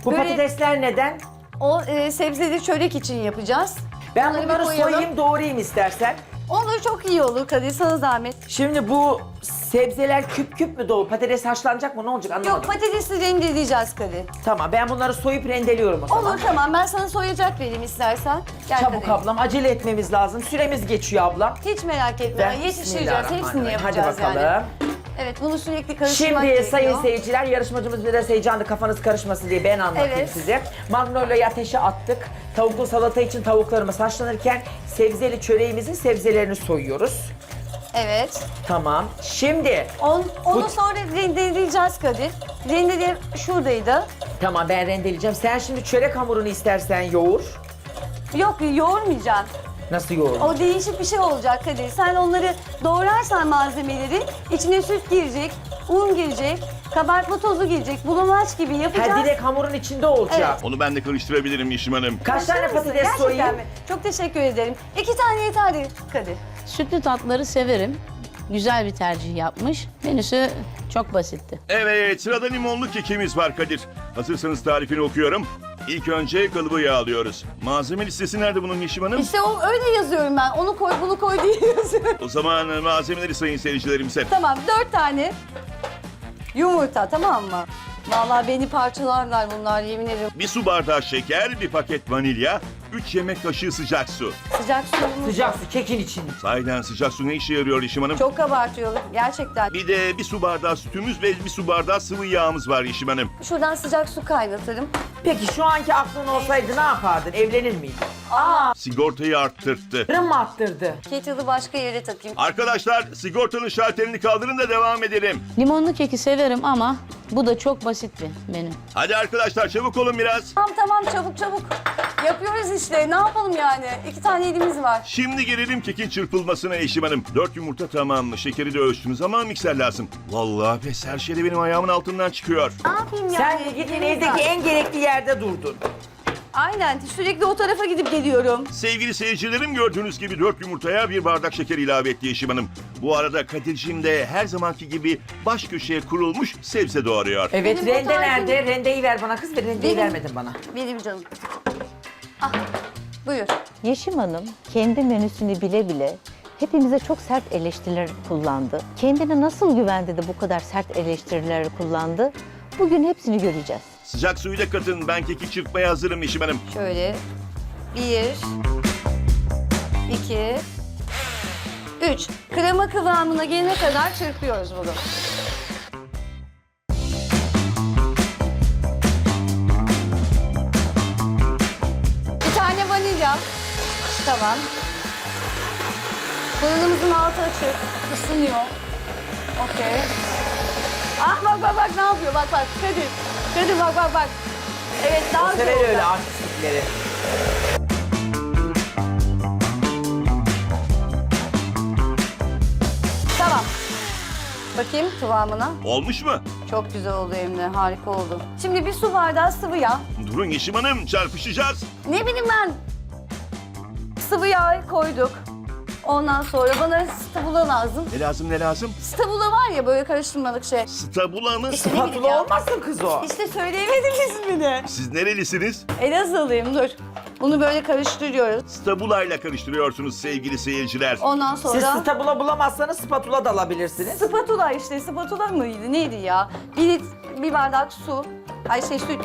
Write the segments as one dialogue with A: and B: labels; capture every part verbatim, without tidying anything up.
A: Bu
B: Böyle-
A: patatesler neden?
B: O e, sebzeli çörek için yapacağız.
A: Ben
B: Onları bir
A: bunları
B: koyalım.
A: soyayım doğrayayım istersen.
B: Olur, çok iyi olur Kadir, sana zahmet.
A: Şimdi bu sebzeler küp küp mü dolu? Patates haşlanacak mı? Ne olacak anlamadım.
B: Yok, patatesi rendeleyeceğiz Kadir.
A: Tamam ben bunları soyup rendeliyorum o zaman.
B: Olur, tamam, ben sana soyacak vereyim istersen. Gel
A: Çabuk
B: Kadir.
A: ablam acele etmemiz lazım. Süremiz geçiyor ablam.
B: Hiç merak etme,
A: Ben-
B: yetiştireceğiz,
A: Bismillahirrahmanirrahim.
B: hepsini yapacağız
A: Hadi bakalım.
B: yani. Evet, bunu sürekli karıştırmak
A: Şimdi
B: gerekiyor.
A: sayın seyirciler, yarışmacımız biraz heyecanlı, kafanız karışmasın diye ben anlatayım
B: Evet.
A: size. Magnolia'yı ateşe attık. Tavuklu salata için tavuklarımız haşlanırken sebzeli çöreğimizin sebzelerini soyuyoruz.
B: Evet.
A: Tamam. Şimdi
B: On, onu
A: Bu-
B: sonra rendeleyeceğiz Kadir. Rendele şuradaydı.
A: tamam ben rendeleyeceğim. Sen şimdi çörek hamurunu istersen yoğur.
B: Yok, yoğurmayacağım.
A: Nasıl yoğur?
B: O değişik bir şey olacak Kadir. Sen onları doğrarsan malzemeleri, içine süt girecek, un girecek, kabartma tozu girecek, bulamaç gibi yapacağız.
A: Ha direkt hamurun içinde olacak.
B: Evet.
C: Onu ben de karıştırabilirim Yeşim Hanım.
A: Kaç tane
B: Başlar mısın?
A: patates
B: Gerçekten
A: soyayım?
B: mi? Çok teşekkür ederim. İki tane yeterli Kadir.
D: Sütlü tatları severim. Güzel bir tercih yapmış. Menüsü çok basitti.
C: Evet, sırada limonlu kekimiz var Kadir. Hazırsanız tarifini okuyorum. İlk önce kalıbı yağlıyoruz. Malzeme listesi nerede bunun Yeşim Hanım?
B: İşte o öyle yazıyorum ben. Onu koy, bunu koy diye yazıyorum.
C: O zaman malzemeleri sayın seyircilerimize.
B: Tamam, dört tane yumurta, tamam mı? Vallahi beni parçalarlar bunlar, yemin ederim.
C: Bir su bardağı şeker, bir paket vanilya, üç yemek kaşığı sıcak su.
B: Sıcak suyumuz
A: Sıcak su kekin için.
C: Sahiden sıcak su ne işe yarıyor Yeşim Hanım?
B: çok kabartıyor gerçekten.
C: Bir de bir su bardağı sütümüz ve bir su bardağı sıvı yağımız var Yeşim Hanım.
B: Şuradan sıcak su kaynatırım.
A: Peki şu anki aklın olsaydı ne yapardın? Evlenir miydin? Aa,
C: Sigortayı arttırttı.
A: fırın mı attırdı?
B: Kettle'ı başka yere takayım.
C: Arkadaşlar sigortanın şalterini kaldırın da devam edelim.
D: Limonlu keki severim ama bu da çok basit bir menü.
C: Hadi arkadaşlar çabuk olun biraz.
B: Tamam tamam, çabuk çabuk. Yapıyoruz işte, ne yapalım yani? İki tane elimiz var.
C: Şimdi gelelim kekin çırpılmasına Yeşim Hanım. Dört yumurta tamam mı? Şekeri de ölçtünüz ama mikser lazım. Vallahi pes her şey de benim ayağımın altından çıkıyor.
B: Ne yapayım yani?
A: Sen de gittin
B: Elimiz
A: evdeki
B: var.
A: en gerekli yerde durdun.
B: Aynen, sürekli o tarafa gidip geliyorum.
C: Sevgili seyircilerim gördüğünüz gibi dört yumurtaya bir bardak şeker ilave etti Yeşim Hanım. Bu arada Kadir'cim de her zamanki gibi baş köşeye kurulmuş sebze doğruyor.
A: Evet
B: Benim o
A: rende
B: tarifim-
A: nerede? Rendeyi ver bana kız ve rendeyi
B: Benim-
A: vermedin bana.
B: Benim canım. Ah, buyur.
E: Yeşim Hanım kendi menüsünü bile bile hepimize çok sert eleştiriler kullandı. Kendine nasıl güvendi de bu kadar sert eleştirileri kullandı? Bugün hepsini göreceğiz.
C: Sıcak suyu da katın. Ben keki çırpmaya hazırım Yeşim Hanım.
B: Şöyle. Bir. iki, Üç. Krema kıvamına gelene kadar çırpıyoruz bunu. Bir tane vanilya. Tamam. Fırınımızın altı açık. Isınıyor. Okey. Ah bak bak bak ne yapıyor, bak bak Kadir. Kadir bak bak bak. Evet, daha güzel
A: Sever
B: olacak.
A: öyle artistlikleri.
B: Tamam. Bakayım kıvamına.
C: Olmuş mu?
B: Çok güzel oldu Emre, harika oldu. Şimdi bir su bardağı sıvı yağ.
C: Durun Yeşim Hanım çarpışacağız.
B: Ne bileyim ben. Sıvı yağ koyduk. Ondan sonra bana stabula lazım.
C: Ne lazım ne lazım?
B: Stabula var ya, böyle karıştırmalık şey.
C: Stabula mı?
B: İşte ne bileyim
A: Patlı
B: ya.
A: olmasın kız o.
B: İşte söyleyemedim ismini.
C: Siz nerelisiniz?
B: Elazığlıyım, dur. Bunu böyle karıştırıyoruz.
C: Stabula ile karıştırıyorsunuz sevgili seyirciler.
B: Ondan
A: Siz
B: sonra...
A: stabula bulamazsanız spatula da alabilirsiniz.
B: Spatula işte, spatula mıydı, neydi ya? Bir, lit- bir bardak su, ay şey süt.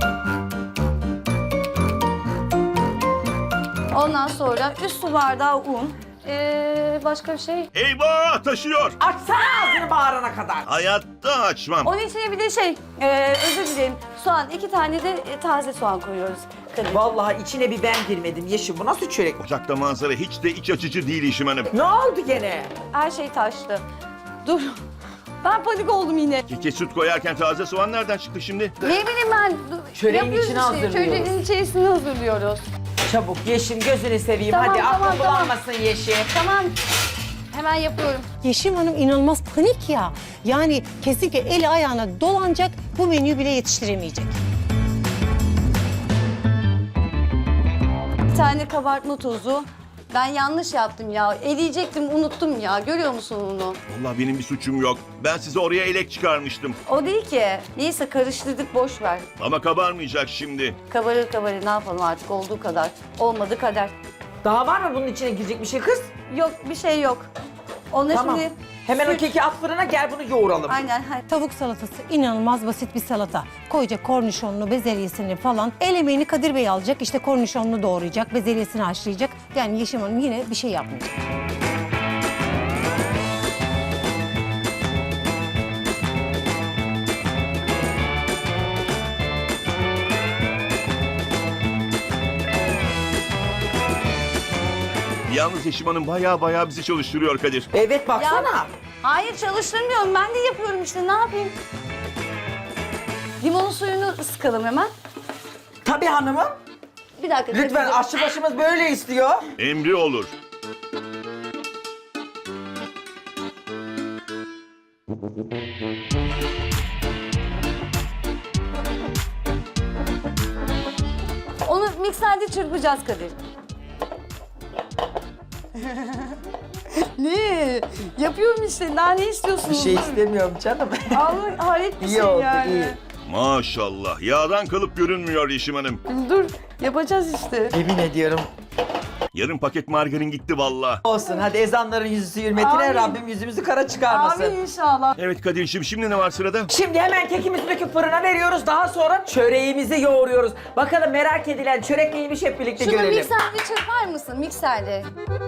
B: Ondan sonra üst su bardağı un. Ee, başka bir şey.
C: Eyvah taşıyor.
A: Açsana ağzını bağırana kadar.
C: Hayatta açmam.
B: Onun içine bir de şey, ee, özür dilerim, soğan. İki tane de e, taze soğan koyuyoruz. Kadir.
A: Vallahi içine bir ben girmedim Yeşim. Bu nasıl çörek?
C: Ocakta manzara hiç de iç açıcı değil Yeşim Hanım.
A: Ne oldu gene?
B: Her şey taştı. Dur. Ben panik oldum yine.
C: Keke süt koyarken taze soğan nereden çıktı şimdi?
B: Ne bileyim ben.
A: Çöreğin
B: yapıyoruz
A: içine
B: işte,
A: hazırlıyoruz.
B: Çöreğin içerisini hazırlıyoruz.
A: Çabuk Yeşim gözünü seveyim.
B: Tamam,
A: Hadi
B: tamam,
A: aklın
B: tamam.
A: bulanmasın Yeşim.
B: Tamam. Hemen yapıyorum.
F: Yeşim Hanım inanılmaz panik ya. Yani kesinlikle eli ayağına dolanacak, bu menüyü bile yetiştiremeyecek.
B: Bir tane kabartma tozu. Ben yanlış yaptım ya. Eleyecektim, unuttum ya. Görüyor musun onu?
C: Vallahi benim bir suçum yok. Ben size oraya elek çıkarmıştım.
B: O değil ki. Neyse karıştırdık, boş ver.
C: Ama kabarmayacak şimdi.
B: Kabarır kabarır, ne yapalım artık, olduğu kadar. Olmadı kader.
A: Daha var mı bunun içine girecek bir şey kız?
B: Yok, bir şey yok. Onu
A: Tamam.
B: şimdi...
A: Hemen o
B: süt-
A: keki at fırına, gel bunu yoğuralım.
B: Aynen. ha-
F: Tavuk salatası inanılmaz basit bir salata. Koyacak kornişonlu, bezelyesini falan. El emeğini Kadir Bey alacak. İşte kornişonlu doğrayacak, bezelyesini haşlayacak. Yani Yeşim Hanım yine bir şey yapmayacak.
C: Yalnız Yeşim Hanım baya baya bizi çalıştırıyor Kadir.
A: Evet baksana.
B: Ya, hayır çalıştırmıyorum. Ben de yapıyorum işte. Ne yapayım? Limonun suyunu sıkalım hemen.
A: Tabii hanımım.
B: Bir dakika.
A: Lütfen,
B: Kadir'cim.
A: aşçı başımız böyle istiyor.
C: Emri olur.
B: Onu mikserde çırpacağız Kadir. Ne? Yapıyorum işte. Daha ne istiyorsunuz?
A: Bir şey istemiyorum canım.
B: Allah hayret bir
A: İyi
B: şey
A: oldu,
B: yani.
A: iyi.
C: Maşallah. Yağdan kalıp görünmüyor Yeşim Hanım.
B: Dur, yapacağız işte.
A: Emin ediyorum.
C: Yarım paket margarin gitti valla.
A: Olsun, hadi ezanların yüzü hürmetine
B: Amin.
A: Rabbim yüzümüzü kara çıkarmasın.
B: Abi inşallah.
C: Evet Kadir'cim, şimdi ne var sırada?
A: Şimdi hemen kekimizi döküp fırına veriyoruz. Daha sonra çöreğimizi yoğuruyoruz. Bakalım merak edilen çörek neymiş, hep birlikte
B: Şunu
A: görelim.
B: mikserde çırpar mısın? Mikserde.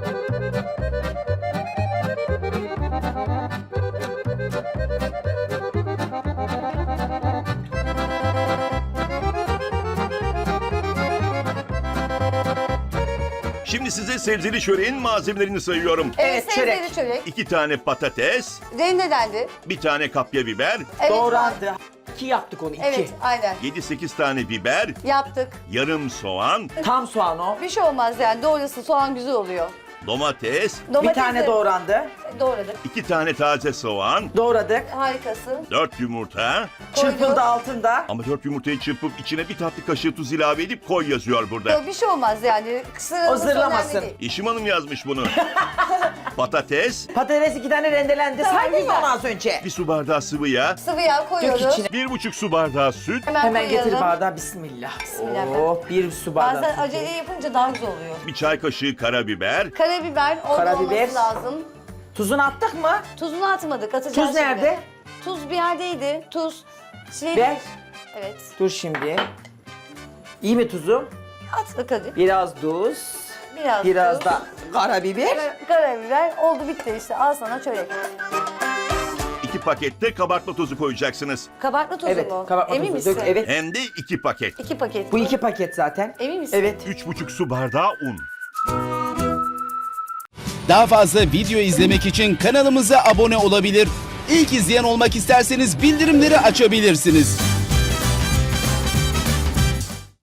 C: Şimdi size sebzeli çöreğin malzemelerini sayıyorum.
A: Evet,
B: sebzeli
A: çörek.
B: çörek.
C: İki tane patates,
B: Rendelendi.
C: bir tane kapya biber,
B: Evet,
A: Doğrandı. İki yaptık onu, iki.
B: Evet, aynen.
C: yedi sekiz tane biber,
B: Yaptık.
C: yarım soğan,
A: Tam soğan o.
B: Bir şey olmaz yani. Doğrasın, soğan güzel oluyor.
C: domates,
A: Bir tane
B: de
A: doğrandı.
B: doğradık.
C: iki tane taze soğan,
A: Doğradık.
B: Harikasın.
C: dört yumurta.
A: Çırpıldı altında.
C: Ama dört yumurtayı çırpıp içine bir tatlı kaşığı tuz ilave edip koy yazıyor burada.
B: Yok, bir şey olmaz yani. Sıralısı
A: O zırlamasın.
B: önemli değil.
C: Yeşim Hanım yazmış bunu. Patates,
A: Patates iki tane rendelendi.
B: Tamam,
A: Saydın mı
B: güzel.
A: onu az önce?
C: bir su bardağı sıvı yağ,
B: Sıvı yağ koyuyoruz.
A: içine.
C: bir buçuk su bardağı süt,
B: Hemen,
A: Hemen
B: koyalım.
A: getir bardağı, bismillah.
B: Bismillah.
A: Oh, bir su bardağı.
B: Bazen
A: sütü.
B: acele yapınca daha güzel oluyor.
C: bir çay kaşığı karabiber,
B: Karabiber, orada
A: Karabiber.
B: olması lazım.
A: Tuzunu attık mı?
B: Tuzunu atmadık, atacağız
A: Tuz
B: şimdi.
A: nerede?
B: Tuz bir yerdeydi. Tuz. Şey,
A: Ver.
B: Evet.
A: Dur şimdi. İyi mi tuzum?
B: At hadi.
A: Biraz tuz.
B: Biraz,
A: Biraz
B: tuz.
A: da karabiber.
B: Kara- Karabiber. Oldu, bitti işte. Al sana çörek.
C: iki pakette kabartma tozu koyacaksınız.
B: Kabartma tozu
A: Evet,
B: mu?
A: kabartma
B: Emin
A: tuzu.
B: misin?
A: Dök, evet.
C: Hem de iki paket.
B: İki paket.
A: Bu
B: mi?
A: iki paket zaten.
B: Emin misin?
A: Evet.
C: Üç buçuk su bardağı un.
G: Daha fazla video izlemek için kanalımıza abone olabilir. İlk izleyen olmak isterseniz bildirimleri açabilirsiniz.